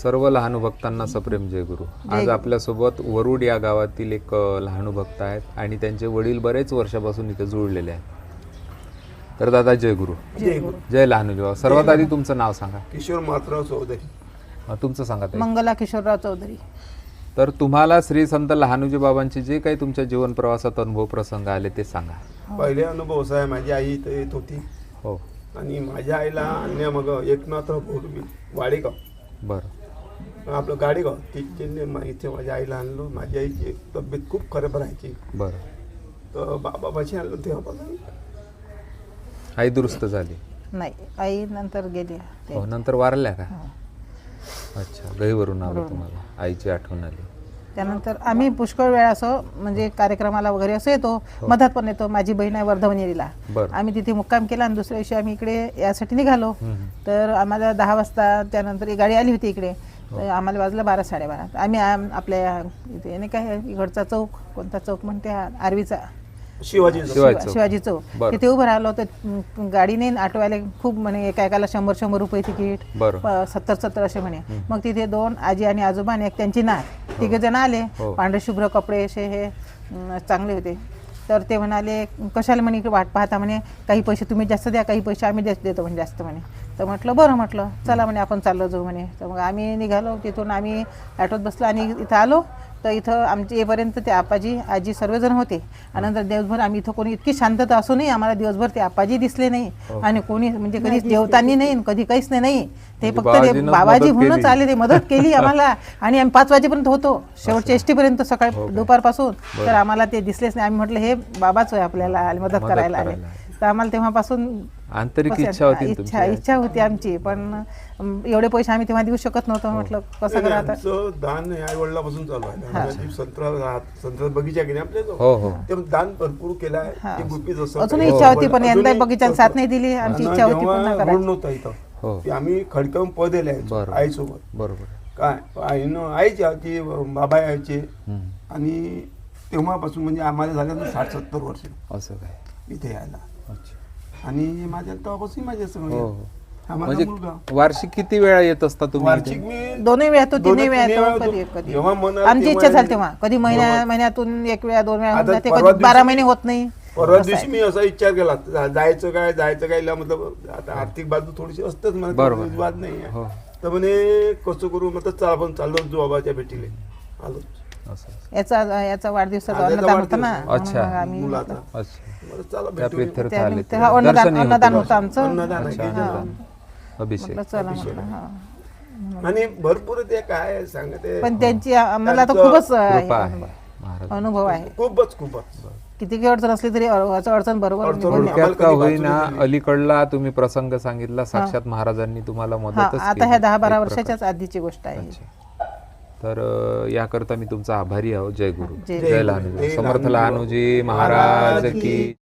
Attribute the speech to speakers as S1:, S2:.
S1: सर्व लहानू भक्तांना सप्रेम जय गुरु. आज आपल्यासोबत वरुड या गावातील एक लहानू भक्त आहेत आणि त्यांचे वडील बरेच वर्षापासून इथे जुळलेले आहेत. तर दादा जय गुरु.
S2: जय गुरु.
S1: जय लहानूजी बाबा. सर्वात आधी तुमचं नाव सांगा.
S2: किशोर मातराव चौधरी.
S1: तुमचं सांगा ताई.
S3: मंगला किशोरराव चौधरी.
S1: तर तुम्हाला श्री संत लहानूजी बाबांचे जे काही तुमच्या जीवन प्रवासात अनुभव प्रसंग आले ते सांगा.
S2: पहिले अनुभव असा आहे, माझी आई इथे येत होती
S1: हो.
S2: आणि माझ्या आईला अन्य मग एकनाथराव पूर्वी वाडेगाव
S1: बरं
S2: आपलं गाडेगाव तिथे इथे माझ्या आईला आणलं. माझी आईची तब्येत खूप खराब राहायची.
S1: बरं.
S2: तर बाबाची आणलं तेव्हापासून
S1: आई दुरुस्त झाली.
S3: नाही, आई नंतर गेली.
S1: हो, नंतर वारल्या का? अच्छा, गहीवरून आलो तुम्हाला, आईची आठवण आली.
S3: त्यानंतर आम्ही पुष्कळ वेळा असं म्हणजे कार्यक्रमाला वगैरे असं येतो, मधात पण येतो. माझी बहीण आहे वर्धवनेरीला,
S1: बरं.
S3: आम्ही तिथे मुक्काम केला आणि दुसऱ्या दिवशी आम्ही इकडे यासाठी निघालो. तर आम्हाला 10 वाजता त्यानंतर एक गाडी आली होती इकडे. तर आम्हाला वाजलं 12 साडेबारा. आम्ही आपल्या इथे नाही काय इकडचा चौक, कोणता चौक म्हणते हा आर्वीचा, शिवाजी चौक, तिथे उभं राहिलो. तर गाडीने ऑटोवाले खूप म्हणे एकाला 100 रुपये तिकीट, 70 असे म्हणे. मग तिथे 2 आजी आणि आजोबा आणि एक त्यांची नात, 3 जण आले. पांढरे शुभ्र कपडे असे हे चांगले होते. तर ते म्हणाले कशाला म्हणे इकडे वाट पाहता म्हणे, काही पैसे तुम्ही जास्त द्या, काही पैसे आम्ही देतो म्हणे जास्त म्हणे. तर म्हटलं बरं, म्हटलं चला म्हणे आपण चाललो जाऊ म्हणे. तर मग आम्ही निघालो. तिथून आम्ही ऑटोत बसलो आणि इथं आलो. तर इथं आमचे येईपर्यंत ते आपाजी आजी सर्वजण होते. आणि नंतर दिवसभर आम्ही इथं कोणी इतकी शांतता असूनही आम्हाला दिवसभर ते आपाजी दिसले नाही आणि कोणी म्हणजे कधी जेवताना नाही, कधी काहीच नाही. ते फक्त ते बाबाजी म्हणूनच आले, ते मदत केली आम्हाला. आणि आम्ही 5 वाजेपर्यंत होतो, शेवटच्या एसटीपर्यंत सकाळी दुपारपासून. तर आम्हाला ते दिसलेच नाही. आम्ही म्हटलं हे बाबाच आहे आपल्याला मदत करायला आले. तर आम्हाला तेव्हापासून
S1: आंतरिक इच्छा
S3: होती आमची. पण एवढे पैसे आम्ही तेव्हा देऊ शकत नव्हतो. म्हटलं कसं करा आता.
S2: दान आई वडिलापासून चालू आहे. संत्रा बगीचा केला आपल्या, ते दान भरपूर केलं आहे.
S3: अजून इच्छा होती पण यंदा बगीचा साथ नाही दिली. आमची इच्छा होती पूर्ण करायची.
S2: नव्हता इथं आम्ही खडकावून पद दिले आईसोबत.
S1: बरोबर.
S2: काय आईची आजी बाबा यायचे. आणि तेव्हापासून म्हणजे आम्हाला झालं 60-70 वर्ष
S1: असं काय
S2: इथे यायला. आणि माझ्या तेव्हापासून माझ्या
S1: म्हणजे वार्षिक किती वेळा येत असता तुम्ही?
S2: वार्षिक मी
S3: 2 वेळा, 3 वेळा कधी आमची इच्छा झाली तेव्हा. कधी महिन्यातून 1 वेळा 2 वेळा होऊन जाते, कधी 12 महिने होत नाही.
S2: परवा दिवशी मी असा विचार केला जायचं काय मतलब आता आर्थिक बाजू थोडीशी असतेच मला, वाद नाही. तर म्हणे कसं करू, मतलब चला आपण चाललो जो बाबाच्या भेटीले आलो.
S3: याचा वाढदिवस अन्नदान होता ना.
S1: अच्छा,
S3: आम्ही अन्नदान होतं आमचं.
S1: अभिषेक
S2: आणि भरपूर ते काय सांगते.
S3: पण त्यांची आम्हाला तर खूपच अनुभव आहे.
S2: खूपच
S3: किती अडचण असली तरी अडचण बरोबर
S1: थोडक्यात का होईना अलीकडला तुम्ही प्रसंग सांगितला, साक्षात महाराजांनी तुम्हाला मदतच
S3: आता ह्या 10-12 वर्षाच्याच आधीची गोष्ट आहे.
S1: तर याकरता मी तुमचा आभारी आहो. जय गुरु. जय लहानूजी. समर्थ लहानूजी महाराज की.